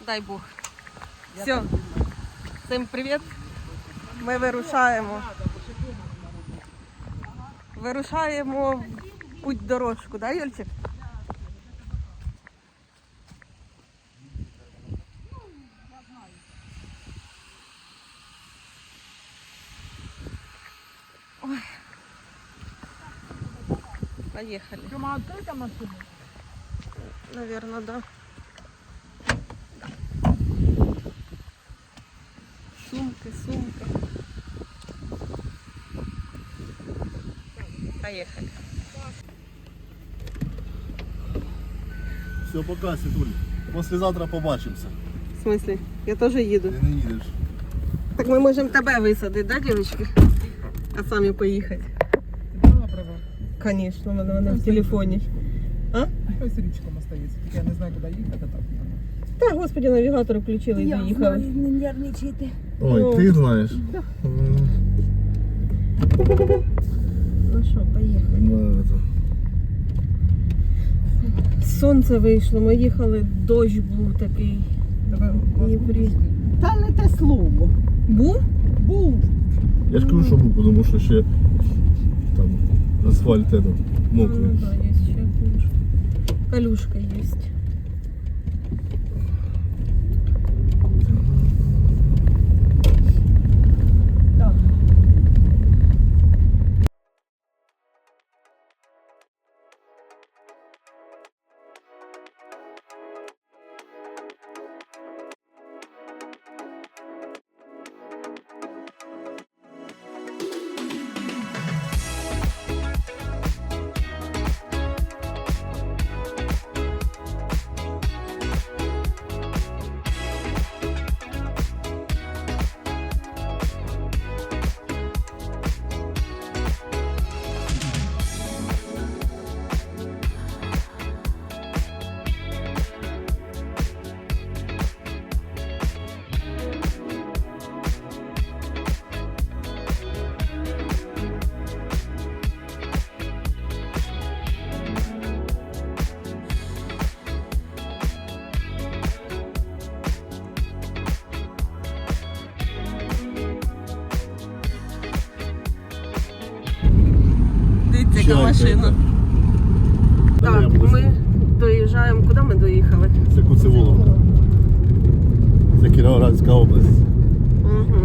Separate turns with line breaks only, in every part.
дай Бог. Все. Всім привіт. Ми вирушаємо. Вирушаємо в путь дорожку, да, Юльчик? Ой. Поехали.
Тёма, открыта машина?
Наверное, да. Сумки, сумки. Поехали.
Все, пока, Світуль. Послезавтра побачимося.
В смысле? Я тоже еду.
Ти не їдеш.
Так мы можем тебя высадить, да, девочки? А сами поехать.
Ты брала права?
Конечно, она в телефоне. А?
Хай з річком остається. Тільки я не знаю, куди їхати, а так.
Та, господи, навігатор включили і доїхали.
Не нервничайте.
Ой,
Ну,
ти знаєш.
Ну що, поїхали.
Ну, это...
Сонце вийшло, ми їхали, дощ був такий.
Давай,
Дніпрі.
Та не те слово.
Був?
Був.
Я ж кажу, що був, тому що ще там асфальт это, мокрий.
Ну да, є ще калюшка. Калюшка є.
Так.
Дивіться, яка машина. Так, ми доїжджаємо. Куди ми доїхали?
Це Куцеволовка. Це Кіровоградська область.
Угу.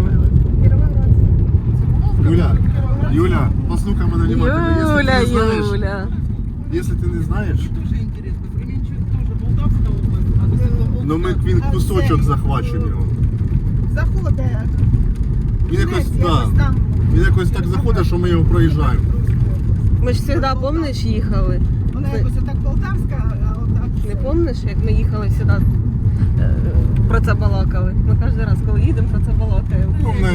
Юля, послухай мене внимательно.
Юля,
Якщо ти не знаєш,
Юля.
якщо ти не знаєш,
Дуже інтересно. Кременчук теж Полтавська область, а до цього
ну він кусочок захвачуємо його.
Заходить.
Він якось,
Десь
да,
там.
він якось так заходить, що ми його проїжджаємо.
Ми ж завжди, пам'ятаєш, їхали?
Вона якось отак Полтавська, а отак.
Не пам'ятаєш, як ми їхали сюди, про це балакали? Ми кожен раз, коли їдемо, про це балакаємо.
Ну, ми...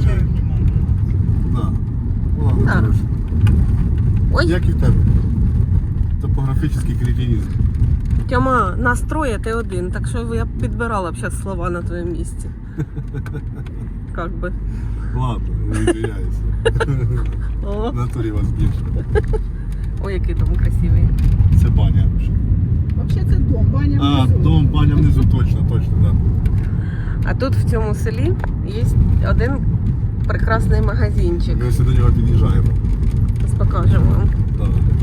Да. Ладно,
Да.
коротше.
Ой,
Як і в тебе? Топографічний кретинізм.
Тьома, нас троє, ти один, так що я б підбирала б зараз слова на твоєму місці. Как би.
Ладно, не відміняюся.
О,
В натурі вас більше.
ой, який дом красивий.
Це баня.
Взагалі це дом, баня
А,
внизу.
дом, баня внизу, точно, да.
А тут в цьому селі є один прекрасний магазинчик.
Ми ось до нього під'їжджаємо.
Зараз покажемо вам.
Да.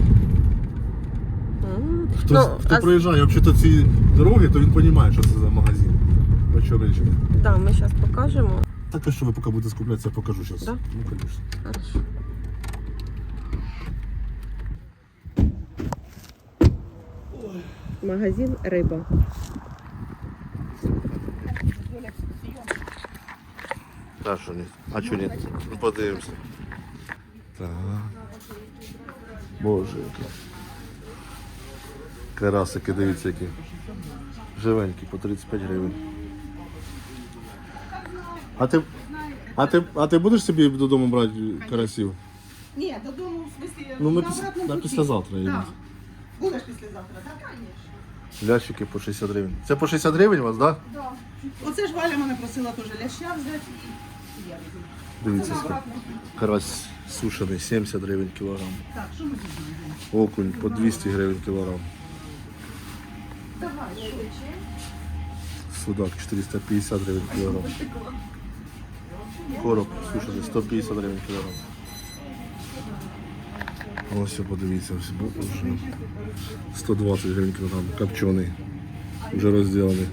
Хто,
Ну,
хто проїжджає взагалі ці дороги, то він розуміє, що це за магазин. Про що речі.
да, ми зараз покажемо.
Так, а що ви поки будете скуплятися, я покажу зараз.
Да?
Ну, звісно.
Хорошо. Магазин риба.
Так, що ні? А що ні? Ну, подивимося. Так. Боже, які. Карасики, дивіться, які. Живенькі, по 35 гривень. А ти будеш собі додому брати карасів?
Ні, додому, в смислі,
Ну, ми
на обратному
на
путі.
післязавтра їдемо.
Так. Будеш післязавтра, так, звісно.
Лящики по 60 гривень. Це по 60 гривень у вас, так? Да?
Да. Оце ж Валя мене просила теж ляща взяти. І я візьму.
Дивіться,
Це на
скільки.
обратному путі.
Карась сушений, 70 гривень кілограм.
Так, що ми візьмемо?
Окунь по 200 гривень кілограм.
Давай, швидше.
судак 450 гривень кілограм. Короб сушений 150 гривень кілограм. Ось все, подивіться, ось вже 120 гривень кілограм, копчений, вже розділений.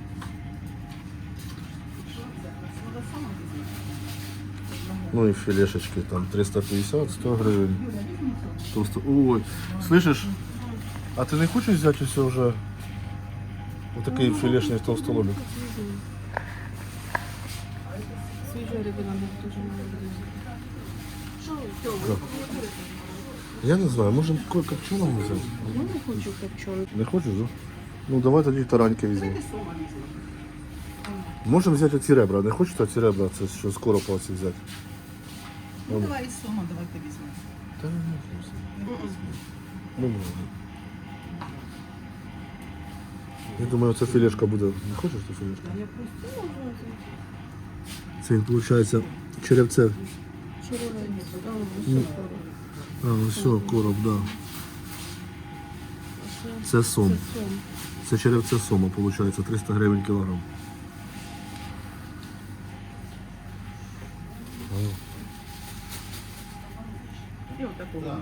Ну и филешечки там 350-100 гривен. Толсто... Ой, слышишь, а ты не хочешь взять все уже вот такие филешные толстолобик?
Свіжої риби нам дуже мало.
Я не знаю, можем копченого взять?
Я не хочу копчений.
Не хочешь, да? Ну давай тоді тараньки візьмемо. Можемо взяти оці ребра. Не хочете оці ребра, це що з коропа оці взяти?
Ну давай із сома, давайте візьмемо.
Та не можна. Не можна. Я думаю, ця філешка буде. Не хочеш цю філешку?
Я просто не можу.
Це він, виходить, черевце.
Черевець.
А, ну все, короб, да. Це сом. Це черевце сома, виходить, 300 гривень кілограм.
І отаку візьмемо.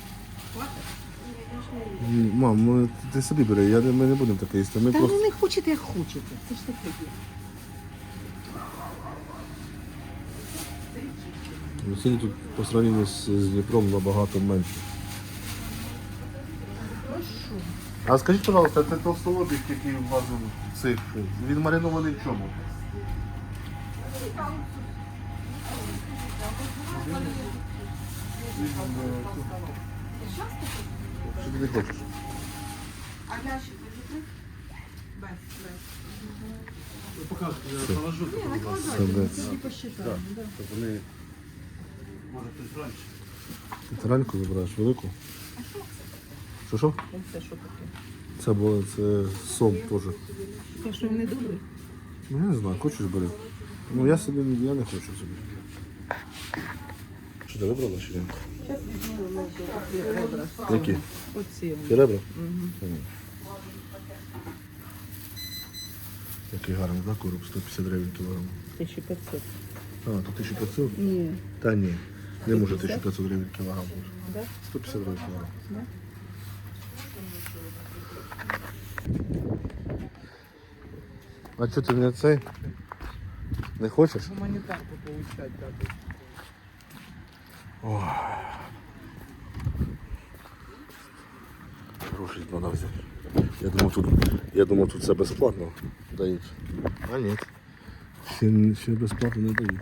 Мам, ти собі бери, ми не будемо таке їсти. Ми
Та
просто...
ну не хочете, як хочете. Це ж таке є.
Ціни тут по сравнению з Дніпром набагато менше. А скажіть, пожалуйста, це толстолобик, який у вас в цих, він маринований в чому? Що ти не хочеш?
А лящик ви
Покажете, я положу.
Це вони...
Може хтось раніше.
Ти тараньку забираєш, велику? Що?
Це що таке?
Це було, це сом теж.
Те, що він не добрий?
Ну я не знаю, хочеш бери. Ну я собі, я не хочу собі. Що ти вибрала чи ні? Які?
Оці.
Ті ребра? Угу. Який гарний, да, короб? 150 гривень кілограм.
1500.
А, то 1500?
Ні.
Та ні. Не може 1500 гривень кілограм.
Да?
150 гривень кілограм.
Да?
А що ти не цей? Не хочеш?
Гуманітарку получать дадуть.
Гроші треба взяти. Я думав, тут це безплатно дають. А ні. Ще безплатно не дають.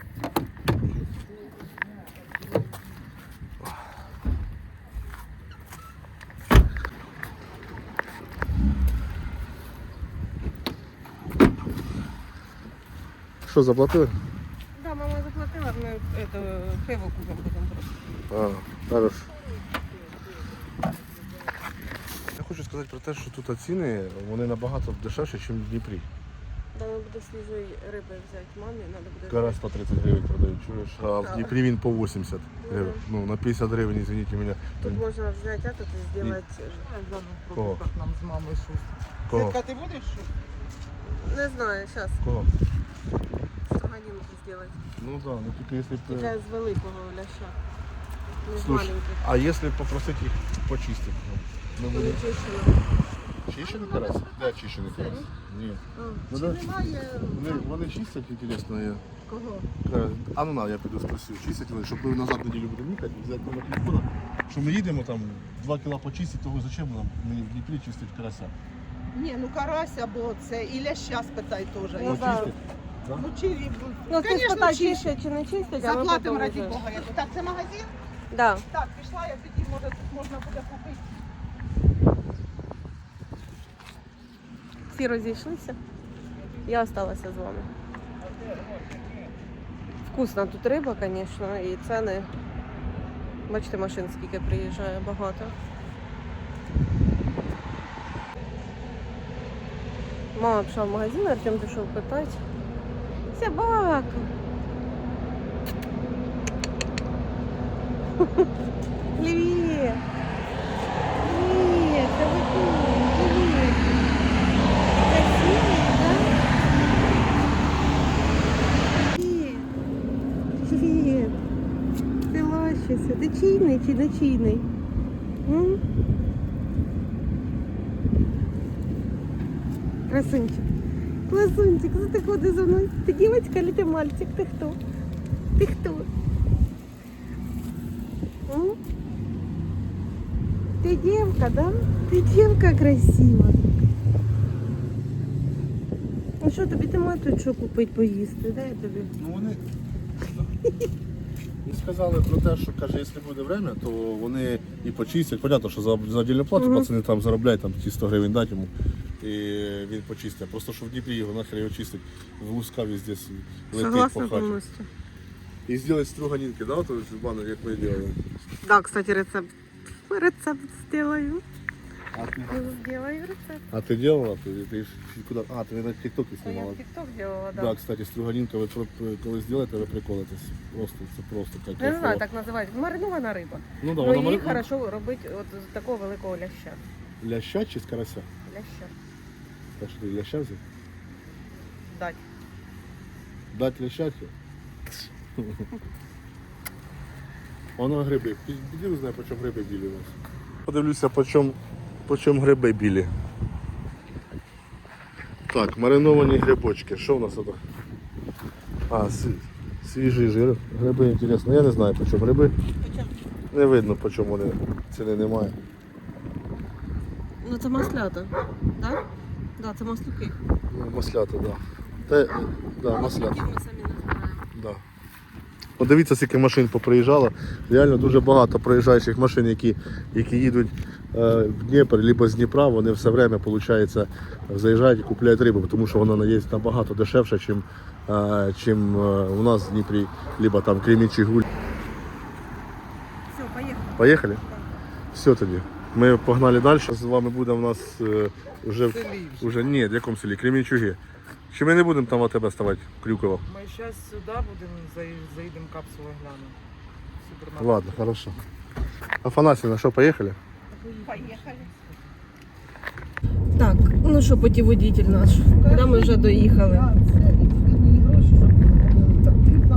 Що, заплатили?
Да, мама заплатила, ми это, пиво купимо потім просто.
Хорошо. Я хочу сказати про те, що тут ціни вони набагато дешевші, ніж в Дніпрі.
Треба буде свіжої риби взяти мамі, треба буде.
Карась по 30 гривень продають, чуєш? А в Дніпрі він по 80 гривень. Ну, на 50 гривень, извините мене.
Тут можна взяти, а тут зробити.
Кого?
Як нам з мамою шустро.
Кого?
Святка, ти будеш що?
Не знаю, зараз
Кого?
строганинки зробити.
Ну да, ну тільки якщо б...
Тільки з великого ляща. Не з
Слушай,
маленьких.
а если попросить їх почистити? Ну,
Вони чищені.
чищений карась? Да, чищений карась. Ні. Ну, да. Вони чистять, інтересно, я.
Кого?
А ну на, я піду спросив, чистять вони, щоб ми назад неділю будемо їхати, взяти номер телефона, що ми їдемо там 2 кіла почистити, того зачем нам мені в Дніпрі чистити карася?
Ні, ну карась або це, і ляща спитай теж.
Ну, да.
Почистить? Да?
Ну, чи,
Ну, ти
Конечно,
спитай,
чистять.
чистять чи не чистять, а ми
Заплатимо
потім
раді
вже.
Бога. Так, це магазин?
Да.
Так, пішла, я тоді, може, тут можна буде купити.
Всі розійшлися. Я залишилася з вами. Вкусна тут риба, звісно, і ціни. Бачите, машин скільки приїжджає, багато. Мама пішла в магазин, Артем пішов питати. Собака! Привіт! Привіт! Це ви тут! Привіт! Красивий, так? традиційний. М? Красунчик. Красунчик, за ти ходиш за мною. Ти дівчинка чи ти мальчик? Ти хто? Ти хто? М? Ти дівка, да? Ти дівка красива. Ну що, тобі нема тут що купити, поїсти? Дай я тобі.
Ну вони і сказали про те, що каже, якщо буде время, то вони і почистять. Понятно, що за отдільну плату
Мгм.
пацани там заробляють там ті 100 гривень дати йому. І він почистить. Просто що в Дніпрі його нахер його чистить. В Луска везде летить
Согласна
по хаті.
повністю.
І зробити струганинки, да, то в бану, як ми робили.
Да, кстати, рецепт. Рецепт сделаю.
А ти,
Сделаю рецепт.
а ти делала? Ти ж куди? А, ти на TikTok
Я
знімала.
в ТикТок делала,
Да.
да.
Кстати, струганинка, ви коли зробите, ви приколитесь. Це просто як
Я не знаю,
кайфово.
так називають. Маринована риба.
Ну да,
Ну,
вона
її
маленька.
хорошо робити от з такого великого ляща.
Ляща чи з карася?
Ляща.
Так що ти ляща взяв?
Дать.
Дать лящати? Воно гриби. Піди знає, по чому гриби білі у нас. Подивлюся, по чому гриби білі. Так, мариновані грибочки. Що в нас тут? А, свіжий жир. Гриби, інтересно. Я не знаю, по чому гриби. Не видно, по чому вони. Ціни немає.
Ну це маслята, так? Да, це маслюки.
Ну, маслята, так. Да. Да, маслята.
Ми самі назбираємо.
Да. Подивіться, скільки машин поприїжджало. Реально дуже багато проїжджаючих машин, які їдуть в Дніпр, або з Дніпра, вони все время, виходить, заїжджають і купляють рибу, тому що вона є набагато дешевша, чим у нас в Дніпрі, либо там Кремічі, Гуль.
Все, поїхали.
Поїхали? Все тоді. Ми погнали далі. З вами буде у нас вже ні, в якому селі? Кремінчуги. Чи ми не будемо там у тебе ставати, Крюково?
Ми зараз сюди будемо, заїдемо капсулу глянемо. Супермаркет.
Ладно, хорошо. Афанасьевна, що, поїхали?
Поїхали.
Так, ну що, путіводитель наш. Куди ми вже доїхали?
Так, це і тільки мені гроші, щоб так, треба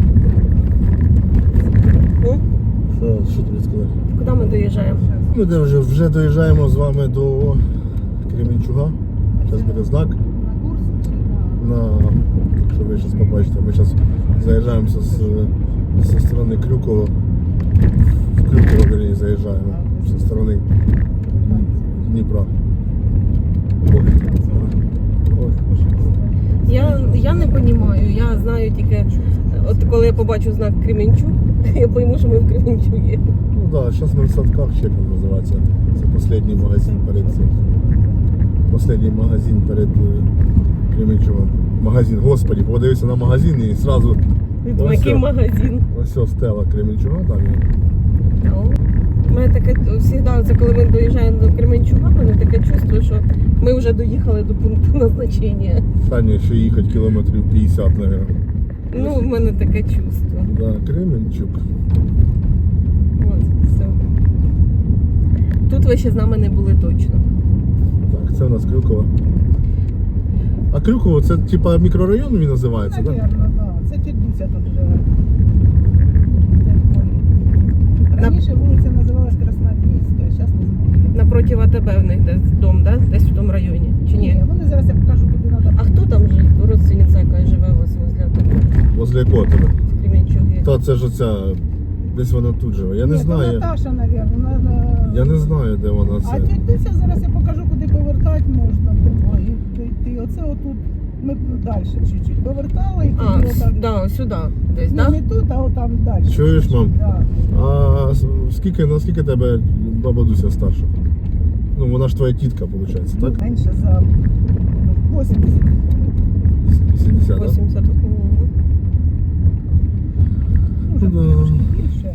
О,
Що тобі сказати?
куди ми доїжджаємо?
Ми вже доїжджаємо з вами до Кременчуга. Зараз буде знак.
на курс чи
Якщо ви зараз побачите, ми зараз заїжджаємо зі сторони Крюкова. В Крюково, верні, заїжджаємо зі сторони Дніпра.
Я не розумію, я знаю тільки, от коли я побачу знак Кременчуг, я пойму, що ми в Кременчугі.
Ну так, зараз ми в садках, ще як він називається. Це останній магазин перед цим. Останній магазин перед Кременчугом. Магазин, господи, подивився на магазин і одразу
Який магазин.
ось стела Кременчуга, так.
У мене таке завжди, коли ми доїжджаємо до Кременчуга, у мене таке чувство, що ми вже доїхали до пункту назначення.
Саня, ще їхати кілометрів 50, мабуть.
Ну, в мене таке чувство.
Да, Кременчук.
От, все. Тут ви ще з нами не були точно.
Так, це у нас Крюково. А Крюково це типа мікрорайон він називається, так?
Навірно, так. Це тітуся тут живе. Раніше вулиця називалась Краснопільська, зараз не знаю.
Напроти АТБ в них десь дом, да? Десь в тому районі. Чи ні?
Вони зараз я покажу, куди треба.
А хто там же родственниця, яка живе у вас возле АТБ
Возле якого тебе?
в Кременчугі?
Та це ж оця, десь вона тут живе. Я не
Ні, то
знаю.
Наташа, навірно.
Я не знаю, де вона
А
це.
тітуся зараз я покажу, куди повертати можна. Ой, дійти. Оце отут. Ми далі чуть-чуть повертали і
А,
тоді отак.
да, сюди десь,
Ну,
да?
не тут, а отам далі.
Чуєш, мам?
Да.
А наскільки тебе баба Дуся старша? Ну, вона ж твоя тітка, виходить, так?
Менше за 80.
80, так?
80.
Може,
Да.
трошки більше.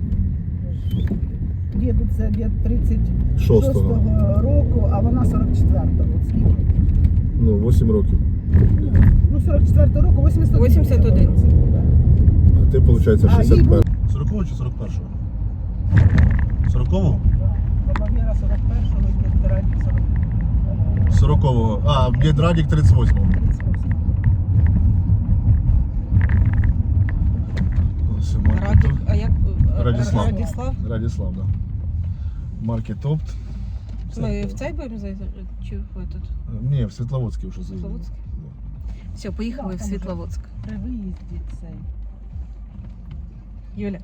Діду це дід 36-го року, а вона 44-го. От скільки?
Ну, 8 років.
Ну, 44-го року, 81.
81.
А ти, виходить,
А, їй
61.
було-
40-го чи 41-го? 40-го?
Баба Віра 41-го, дід Радік
40-го. А, дід Радік 38-го.
38-го.
Радік, а як
Радіслав.
Радіслав.
Радіслав, да. Маркет Опт.
Ми в цей будемо заїздити? Чи в этот?
Ні, в Світловодський вже заїздили.
Світловодський? Все, поїхали в Світловодськ.
При виїзді цей.
Юля.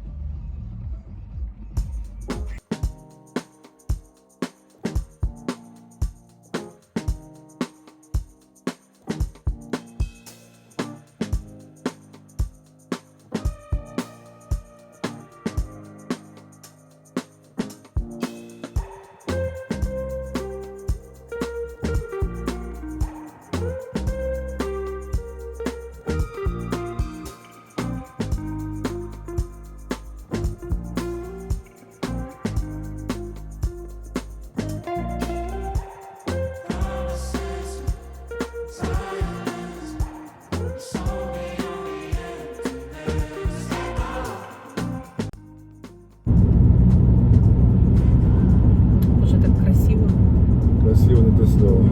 Боже, так красиво.
Красиво, не те слово.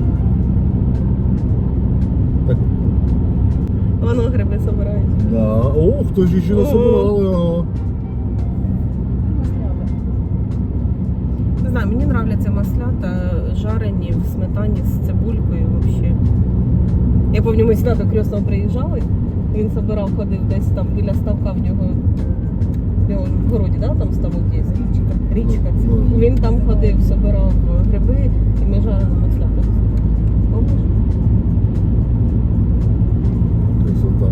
Так,
Воно гриби собирають.
да. О, хтось ще насобирали, ага.
Не знаю, мені нравляться маслята, жарені в сметані з цибулькою взагалі. Я пам'ятаю, ми сюди до Крьосного приїжджали, він собирав, ходив десь там біля ставка в нього, де він в городі, да, там ставок є? Річка.
Ну.
Він там ходив, собирав гриби і ми жарили маслята. Помниш?
Красота.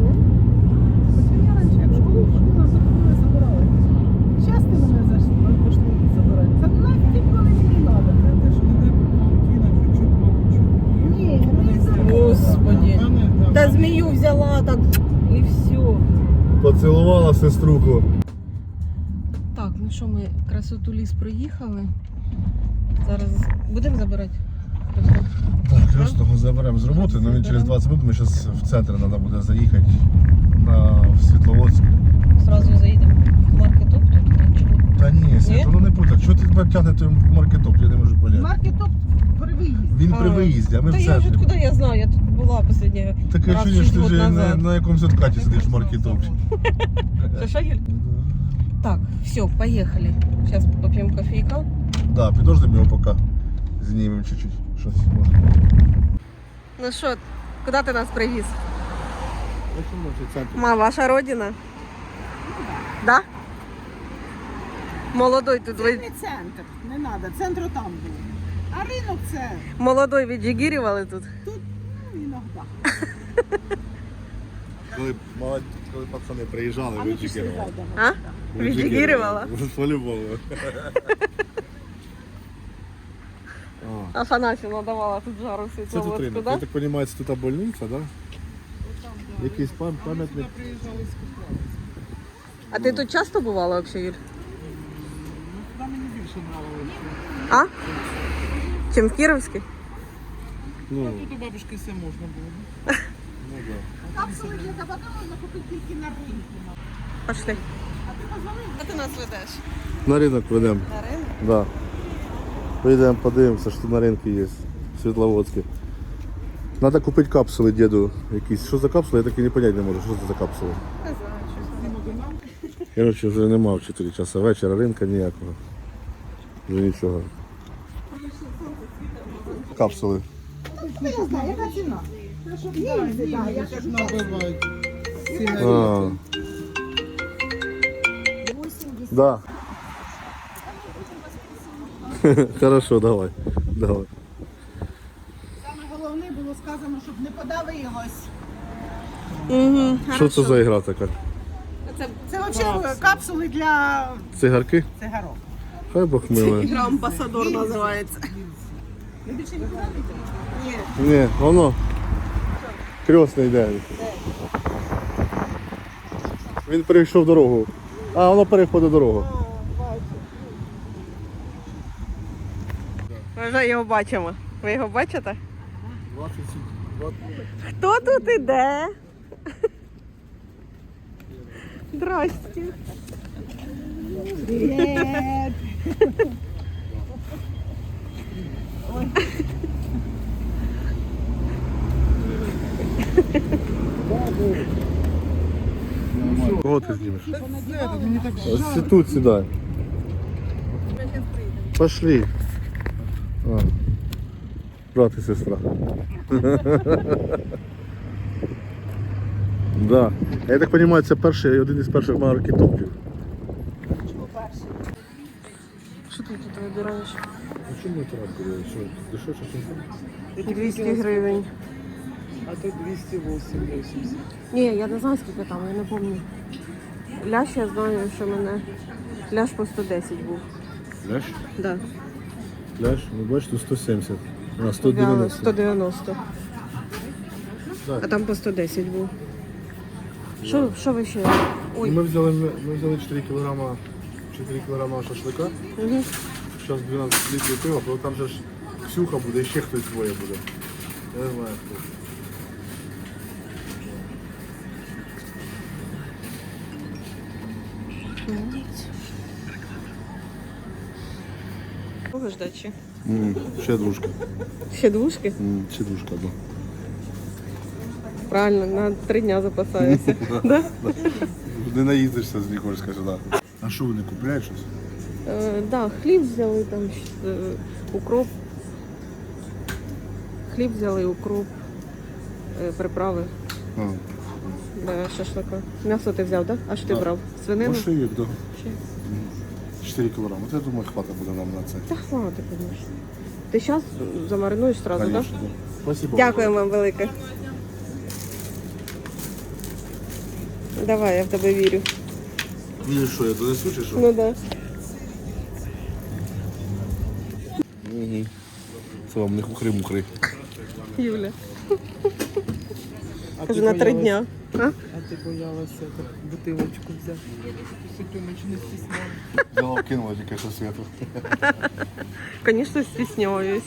Я раніше як в школу ходила, то коли забирали. Зараз ти мене пошли забирати. Та нафіг вони мені треба.
Це ж не паутина, чуть-чуть паучу.
Ні, не забирали.
Господи. Та змію взяла так і все.
Поцілувала сеструху.
Так, ну що, ми красоту ліс проїхали. Зараз будемо забирати? Просто.
Так, Крьосного заберемо з роботи, але він через 20 минут, ми зараз в центр треба буде заїхати в Світловодськ.
Зразу заїдемо в маркетоп тут, чи ні?
Та ні, Свята, ну не путай. Чого ти тебе тягне той маркетоп, я не можу поняти.
Маркетоп при виїзді.
Він при виїзді, а ми
Та
в
я вже
центрі.
куди я знаю, я тут була останнє
Таке
раз
чуєш,
6
ти
років
вже
назад.
на якомусь откаті сидиш в маркетопі.
Що, Юль? Так, все, поехали. Сейчас попьем кофейка.
Да, підождемо його поки. Знімемо чуть-чуть. Щось може.
Ну що, куди ти нас привіз? Ма, ваша родина? Да? Молодой тут
Це
ви...
не центр, не треба, центр там був. А ринок це,
Молодой віджигірювали тут.
ну, іноді.
Коли пацани приїжджали,
А
ви
ми пішли
джигерували.
зайдемо.
А? Віджигірювала?
По-любому.
Афанасьевна давала тут жару
Це тут
Світловодську,
ринок.
да?
Я так розумію, це тут больниця, да? Якийсь пам'ятник.
Приїжджали з Купала.
А ти тут часто бувала взагалі, Юль?
Туди мені більше нравилося.
А? Чим в Кіровській?
Ну,
Тут у бабушки все можна було.
ну да.
Капсули для табака можна купити тільки на ринку.
Пошли.
А ти позвонив?
А ти нас ведеш?
На ринок ведемо.
На ринок?
Да. Поїдемо, подивимося, що тут на ринку є. Світловодське. Треба купити капсули діду якісь. Що за капсули, я так і не поняти не можу, що це за капсули.
Не знаю, що.
Коротше, вже нема в 4 часа вечора, ринка ніякого. Вже нічого. Капсули.
Ну, я знаю, яка ціна? Їздить, так, я кажу,
Набивають.
А. Да. Хорошо, давай. Давай.
саме головне було сказано, щоб не подавилось.
Угу,
Що це за ігра така?
Це взагалі капсули для
Цигарки?
цигарок.
Хай Бог милує.
Ігра Амбасадор називається.
Ви більше не подавите? Ні.
Ні, воно. Крьосний йде. Він перейшов дорогу. А, воно переходить дорогу.
Ми вже його бачимо. Ви його бачите?
20.
Хто тут іде? Здрасте.
Привіт.
Кого ти знімеш?
Мені так
Ось тут сідай. Пошли. А. Брат і сестра. Да. Я так розумію, це перший, один із перших маркетопів.
Що ти тут вибираєш?
А чому не трапили? Що, дешевше, чим там?
200 гривень.
А тут 208,80.
Ні, я не знаю, скільки там, я не пам'ятаю. Ляш, я знаю, що мене ляш по 110 був.
Ляш?
Да.
Ляш, ну бачите, 170. А, 190.
190.
Так.
А там по 110 був. Що ви ще? Ой.
Ми взяли 4 кілограма шашлика.
Угу.
Зараз 12 літрів пива, бо там же ж Ксюха буде, і ще хтось двоє буде. Я не знаю хто.
Кого ждать ще?
Ще дружка.
Ще двушки?
Ще дружка, да.
Правильно, на 3 дня запасаюся. Да?
Не наїздишся з Нікольська сюди. А що вони купляють щось?
Да, хліб взяли, там укроп. Хліб взяли, укроп, приправи
А,
для шашлика. М'ясо ти взяв, так? Да? А що ти
Так.
брав? Свинину?
Мошивік, да.
Ще?
4 кілограми. От я думаю, хватить буде нам на це.
Та хватить, звісно. Ти зараз замаринуєш одразу, так?
Конечно, да. Спасибо.
Дякую вам велике. Давай, я в тебе вірю.
Ну і що, я донесу чи що?
Ну да.
Угу. Це вам не хухри-мухри.
Юля.
А
Кажу,
ти
на 3
боялась-
дня. А?
А ти боялася так, бутилочку взяти. Сутюнич не стісняла.
Взяла, кинула тільки що світу.
Звісно, стісняюсь.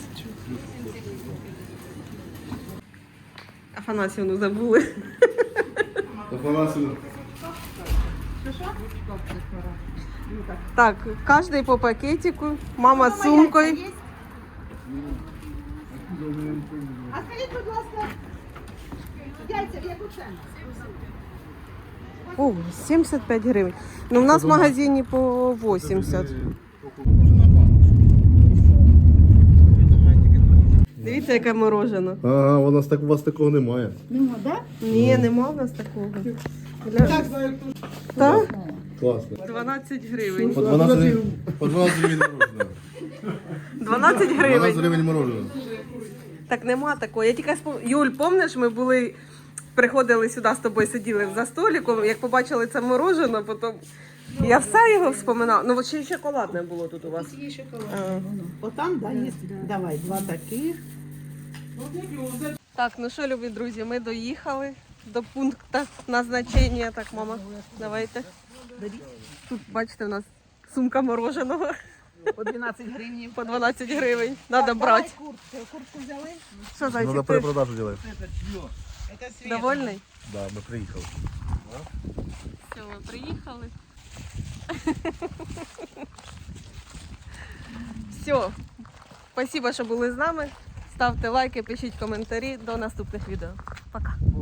Афанасівну забули. Так, кожний по пакетику, мама з сумкою.
А скажіть, будь ласка, яйця в яку ціну?
О, 75 гривень. Ну, в нас в магазині по 80. Дивіться, яке морожено.
Ага, у вас такого немає.
Нема, так?
Ні, нема в нас такого. Так?
Класно.
12 гривень.
По 12 гривень мороженого.
12
12
гривень.
гривень мороженого.
Так нема такого. Я тільки Юль, пам'ятаєш, ми приходили сюди з тобою, сиділи за столиком, як побачили це морожено, потім я все його вспоминала. Ну, от ще й шоколадне було тут у вас.
Є шоколад.
А.
Отам, да, є. Давай, 2 таких.
Так, ну що, любі друзі, ми доїхали до пункту назначення. Так, мама, давайте. Тут, бачите, у нас сумка мороженого
По 12 гривень.
по 12 гривень. Треба брати.
Куртку взяли?
Що,
Надо
зайчик, ти
перепродажу делать.
довольний?
Да, ми приїхали.
Все, ми приїхали. Все. Спасибо, що були з нами. Ставте лайки, пишіть коментарі. До наступних відео. Пока.